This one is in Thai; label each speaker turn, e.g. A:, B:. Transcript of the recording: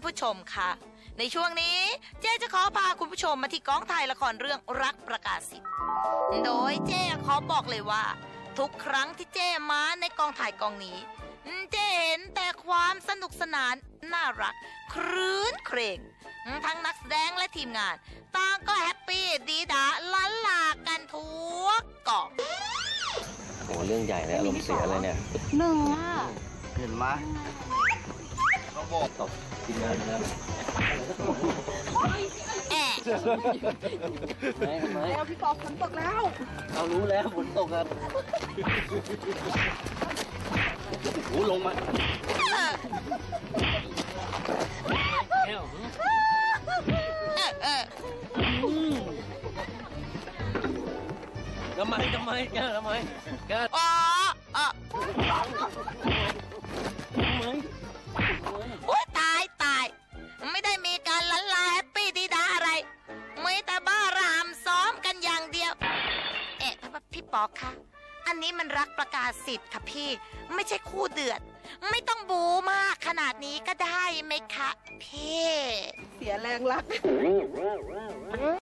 A: ผู้ชมค่ะในช่วงนี้เจ๊จะขอพาคุณผู้ชมมาที่กองถ่ายละครเรื่องรักประกาศสิทธิ์โดยเจ๊ขอบอกเลยว่าทุกครั้งที่เจ๊มาในกองถ่ายกองนี้เจ๊เห็นแต่ความสนุกสนานน่ารักครื้นเครงทั้งนักแสดงและทีมงานต่างก็แฮปปี้ดีดาล้านลากันทุกกอง
B: โอ้เรื่องใหญ่เลยอารมณ์เสียเลยเนี่ย
C: หนึ่งอ่ะ
D: เห็นไหมเขาบอกตกกินเงินแล้ว
C: แล้วพี่ปอฝนตกแล้ว
D: เรารู้แล้วฝนตกครับโอ้ลงมาทำไมแก
A: อ๋อโอ้ยตายไม่ได้มีการลันลาแฮปปี้ดีดาอะไรไม่แต่บ้ารามซ้อมกันอย่างเดียวพี่ปอคะอันนี้มันรักประกาศสิทธิ์ค่ะพี่ไม่ใช่คู่เดือดไม่ต้องบูมากขนาดนี้ก็ได้ไหมคะพี่
C: เสียแรงรัก